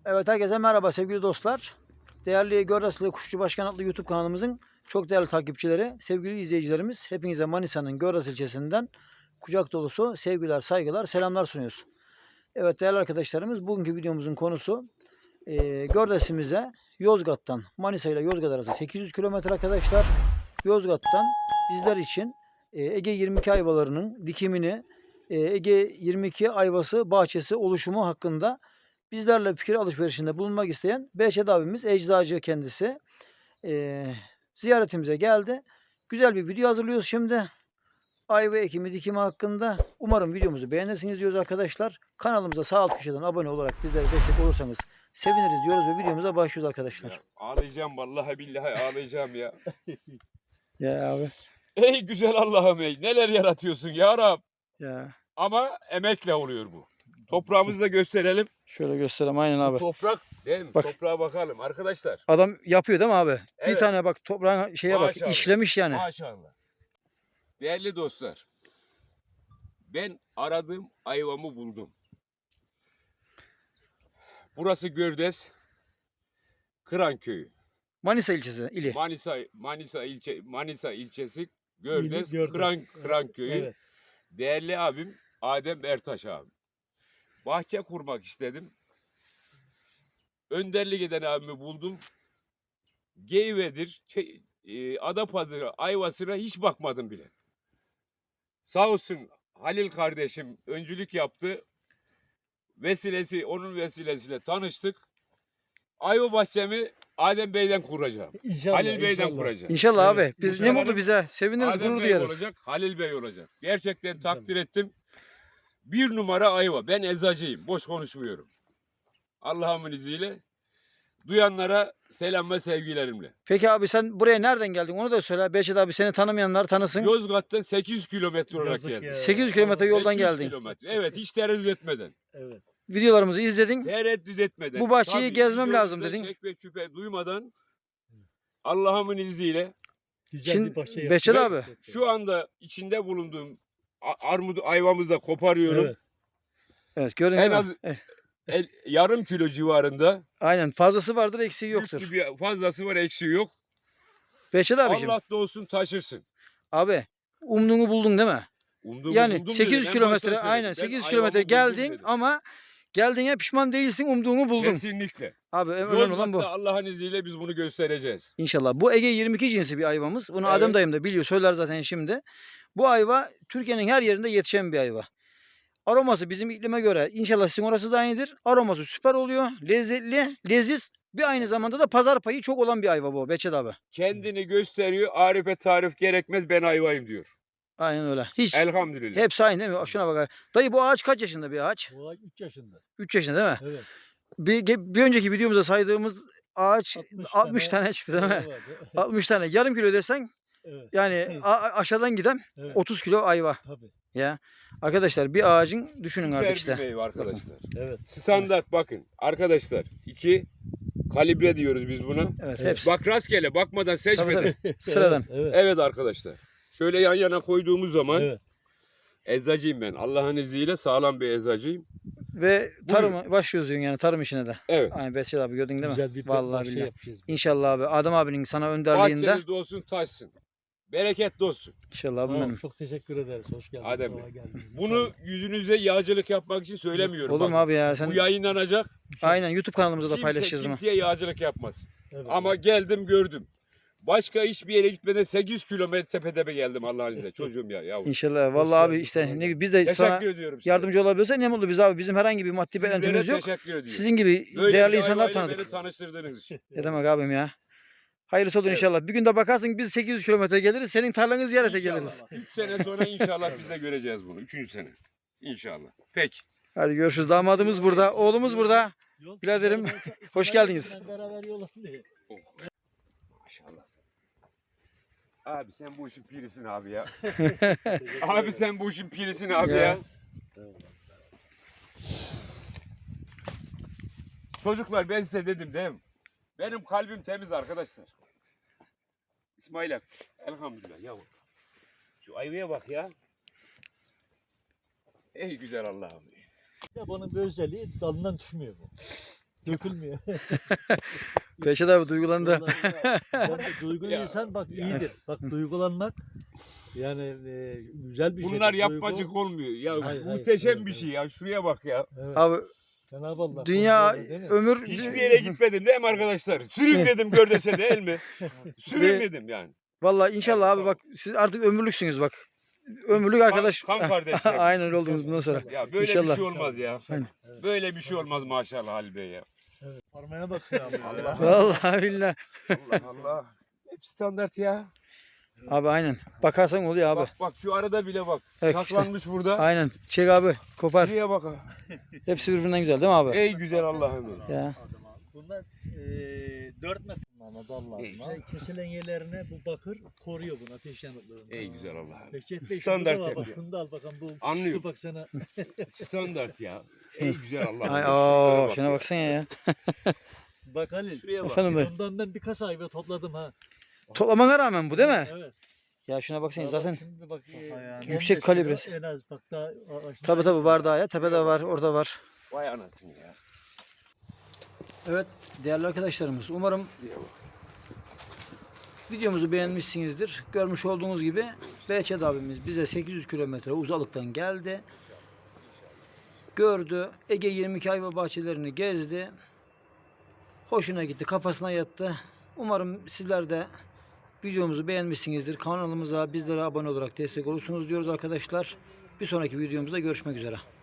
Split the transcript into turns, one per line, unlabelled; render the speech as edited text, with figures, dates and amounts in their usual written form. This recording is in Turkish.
Evet, herkese merhaba sevgili dostlar. Değerli Görraslı Kuşçu Başkan adlı YouTube kanalımızın çok değerli takipçileri, sevgili izleyicilerimiz, hepinize Manisa'nın Görras ilçesinden kucak dolusu sevgiler, saygılar, selamlar sunuyoruz. Evet değerli arkadaşlarımız, bugünkü videomuzun konusu Görras'imize Yozgat'tan, Manisa ile Yozgat arası 800 kilometre arkadaşlar. Yozgat'tan bizler için Ege 22 ayvalarının dikimini, Ege 22 ayvası bahçesi oluşumu hakkında bizlerle fikir alışverişinde bulunmak isteyen Behçet abimiz, eczacı kendisi, ziyaretimize geldi. Güzel bir video hazırlıyoruz şimdi. Ayva ekimi dikimi hakkında. Umarım videomuzu beğenirsiniz diyoruz arkadaşlar. Kanalımıza sağ alt köşeden abone olarak bizlere destek olursanız seviniriz diyoruz ve videomuza başlıyoruz arkadaşlar.
Ya, ağlayacağım vallahi billahi ağlayacağım ya.
Ya abi.
Ey güzel Allah'ım ey, neler yaratıyorsun ya Rab.
Ya.
Ama emekle oluyor bu. Toprağımızı da gösterelim.
Şöyle göstereyim aynen abi.
Toprak değil mi?
Bak.
Toprağa bakalım arkadaşlar.
Adam yapıyor değil mi abi?
Evet.
Bir tane bak toprağın şeye
Maşallah.
bak işlemiş yani.
Maşallah. Değerli dostlar. Ben aradığım ayvamı buldum. Burası Gördes. Kıran köyü.
Manisa ilçesi ili.
Manisa ilçesi Gördes,
Gördes.
Kıran köyü.
Evet.
Değerli abim Adem Ertaş abi. Bahçe kurmak istedim. Önderlik eden abimi buldum. Geyvedir, Adapazarı ayvasına hiç bakmadım bile. Sağ olsun Halil kardeşim öncülük yaptı. Onun vesilesiyle tanıştık. Ayva bahçemi Adem Bey'den kuracağım.
İnşallah,
Halil Bey'den
inşallah.
kuracağım.
İnşallah
Evet,
abi. Biz ne
inşallah.
mutlu bize. Seviniriz,
Adem
gurur
Bey
duyarız.
olacak, Halil Bey olacak. Gerçekten takdir ettim. Bir numara ayva. Ben eczacıyım. Boş konuşmuyorum. Allah'ımın izniyle. Duyanlara selam ve sevgilerimle.
Peki abi sen buraya nereden geldin? Onu da söyle. Behçet abi seni tanımayanlar tanısın.
Yozgat'tan 800 kilometre olarak
Yazık
geldim.
ya.
800 kilometre yoldan
800
geldin.
kilometre. Evet, hiç tereddüt etmeden.
Evet.
Videolarımızı izledin.
Tereddüt etmeden.
Bu bahçeyi gezmem
videomuzda
lazım dedin.
Şek ve şüphe duymadan Allah'ımın izniyle
Güzel
Şimdi
bir bahçe
Behçet
yaptın.
abi.
şu anda içinde bulunduğum armut ayvamızı da koparıyorum.
Evet.
Evet gördün
En
değil mi?
az yarım kilo civarında.
Aynen fazlası vardır eksiği yoktur.
Yüklü bir fazlası var, eksiği yok.
Behçet abiciğim.
Allah da olsun taşırsın.
Abi umduğunu buldun değil mi? Yani
Buldum
800
dedim. En
kilometre
baştan
aynen
söyledim. Ben
800 kilometre
ayvamı buldum
geldin
dedim.
ama geldiğine pişman değilsin, umduğunu buldun.
Kesinlikle.
Abi önemli olan bu.
Yozgat'ta Allah'ın izniyle biz bunu göstereceğiz.
İnşallah. Bu Ege 22 cinsi bir ayvamız. Bunu Adem
Evet.
dayım da biliyor. Söyler zaten şimdi. Bu ayva Türkiye'nin her yerinde yetişen bir ayva. Aroması bizim iklime göre inşallah sizin orası da aynıdır. Aroması süper oluyor. Lezzetli, leziz. Bir aynı zamanda da pazar payı çok olan bir ayva bu Behçet abi.
Kendini gösteriyor. Arife tarif gerekmez, ben ayvayım diyor.
Aynen öyle. Hiç.
Elhamdülillah.
Hepsi aynı değil mi? Şuna bak. Dayı bu ağaç kaç yaşında bir ağaç?
Bu ay 3 yaşında.
3 yaşında değil mi?
Evet.
Bir önceki videomuzda saydığımız ağaç 60 tane çıktı değil mi?
Evet.
60 tane. Yarım kilo desen
Evet.
yani aşağıdan giden
Evet.
30 kilo ayva.
Tabii.
Ya arkadaşlar bir ağacın düşünün
Süper
artık
bir
işte.
meyve arkadaşlar.
Evet.
Standart bakın arkadaşlar. 2 kalibre diyoruz biz buna.
Evet,
Evet.
hepsi.
Bak rastgele bakmadan
Tabii,
seçmeden.
tabii. Sıradan.
Evet.
Evet arkadaşlar. Şöyle yan yana koyduğumuz zaman
Evet.
eczacıyım ben. Allah'ın izniyle sağlam bir eczacıyım.
Ve tarıma başlıyoruz diyorsun yani tarım işine de.
Evet.
Aynen Behçet abi gördün değil mi?
Güzel bir
Vallahi
bahçe
billahi.
yapacağız.
İnşallah abi Adem abinin sana önderliğinde.
Bahçeniz olsun taşsın. Bereketli olsun.
İnşallah abim
Tamam,
benim.
çok teşekkür ederiz. Hoş geldiniz.
Adem
sabah
Bey.
geldiniz.
Bunu yüzünüze yağcılık yapmak için söylemiyorum.
Olur mu
Bak,
abi ya sen?
Bu yayınlanacak.
Aynen YouTube kanalımıza da paylaşacağız bunu.
Kimseye yağcılık yapmaz.
Evet.
Ama geldim gördüm. Başka hiçbir yere gitmeden 800 kilometre tepe geldim Allah'ın izniyle. Çocuğum ya yavrum.
İnşallah. Vallahi abi
geldin,
işte
kolay
ne, biz de
Teşekkür
sana
ediyorum size.
yardımcı olabiliyorsak ne mutlu biz abi. Bizim herhangi bir maddi
Sizlere
beklentimiz yok.
teşekkür ediyorum.
Sizin gibi
Böyle
değerli
bir
insanlar
ayvayla
tanıdık.
Beni tanıştırdığınız için.
Ne demek abim ya. Hayırlısı olur
Evet.
inşallah. Bir gün de bakarsın biz 800 kilometre geliriz. Senin tarlanı ziyarete geliriz.
3 sene sonra inşallah biz de göreceğiz bunu. 3. sene. İnşallah. Peki.
Hadi görüşürüz. Damadımız burada. Oğlumuz burada.
Yok,
Biraderim,
beraber-
hoş geldiniz.
Beraber yol alıyor.
Maşallah. Abi sen bu işin pirisin abi ya. Abi sen bu işin pirisin abi
Ya.
ya. Çocuklar ben size dedim değil mi? Benim kalbim temiz arkadaşlar. İsmail abi. Elhamdülillah yavrum. Şu ayvaya bak ya. Ey güzel Allah'ım.
Ya bunun bir özelliği dalından düşmüyor bu. Dökülmüyor.
Behçet abi duygulandı.
Ben de duygulu
Ya,
insan bak iyidir. Bak duygulanmak yani güzel bir şey.
Bunlar
Duygu-
yapmacık olmuyor. Ya
Hayır,
muhteşem
evet,
bir
evet.
şey ya. Şuraya bak ya.
Evet.
Abi
Cenab-ı Allah.
dünya
kontrolü, değil mi?
ömür
Hiçbir yere gitmedim değil mi arkadaşlar? Sürün dedim gör dese değil mi? Sürün dedim yani.
Vallahi inşallah abi bak siz artık ömürlüksünüz bak. Ömürlük
Kan-
arkadaş.
kan kardeşler.
Aynen öyle oldunuz bundan sonra.
Ya böyle
İnşallah.
bir şey olmaz ya.
Aynen.
Böyle bir şey olmaz maşallah Halil Bey ya.
Parmağına bakıyor abi.
Allah.
Vallahi billahi.
Allah Allah. Hep standart ya.
Abi aynen. Bakarsan oluyor abi.
Bak bak şu arada bile bak.
Evet,
Saklanmış burada.
Aynen. Çek abi. Kopar.
Şuraya bak ha.
Hepsi birbirinden güzel değil mi abi?
Ey güzel Allah'ım.
Ya.
Bunlar 4 metre Mehmet Allah'ım.
İyi, güzel.
Kesilen yerlerine bu bakır koruyor bunu ateş yanıklığını.
Ey güzel Allah'ım.
Behçet Bey
Standart
şunu da var, bak
yapıyor.
şunu da al bakalım bu.
Anlıyorum.
Dur bak sana.
Standart ya. Ey güzel Allah'ım.
Ay,
Şuraya
oo,
bak
şuna
ya.
baksana ya.
Bak Halil.
Şuraya bak.
Efendim dayı.
Ondan ben birkaç ayva topladım ha.
Toplamana rağmen bu değil mi?
Evet.
Ya şuna baksana
Daha
zaten.
bak şimdi bak,
Yüksek
15
kalibresi.
kilo En az bak daha.
Tabi tabi var daha ya. Tepede var, orada var.
Vay anasını ya.
Evet değerli arkadaşlarımız umarım videomuzu beğenmişsinizdir. Görmüş olduğunuz gibi Behçet abimiz bize 800 kilometre uzalıktan geldi. Gördü. Ege 22 ayva bahçelerini gezdi. Hoşuna gitti. Kafasına yattı. Umarım sizler de videomuzu beğenmişsinizdir. Kanalımıza bizlere abone olarak destek olursunuz diyoruz arkadaşlar. Bir sonraki videomuzda görüşmek üzere.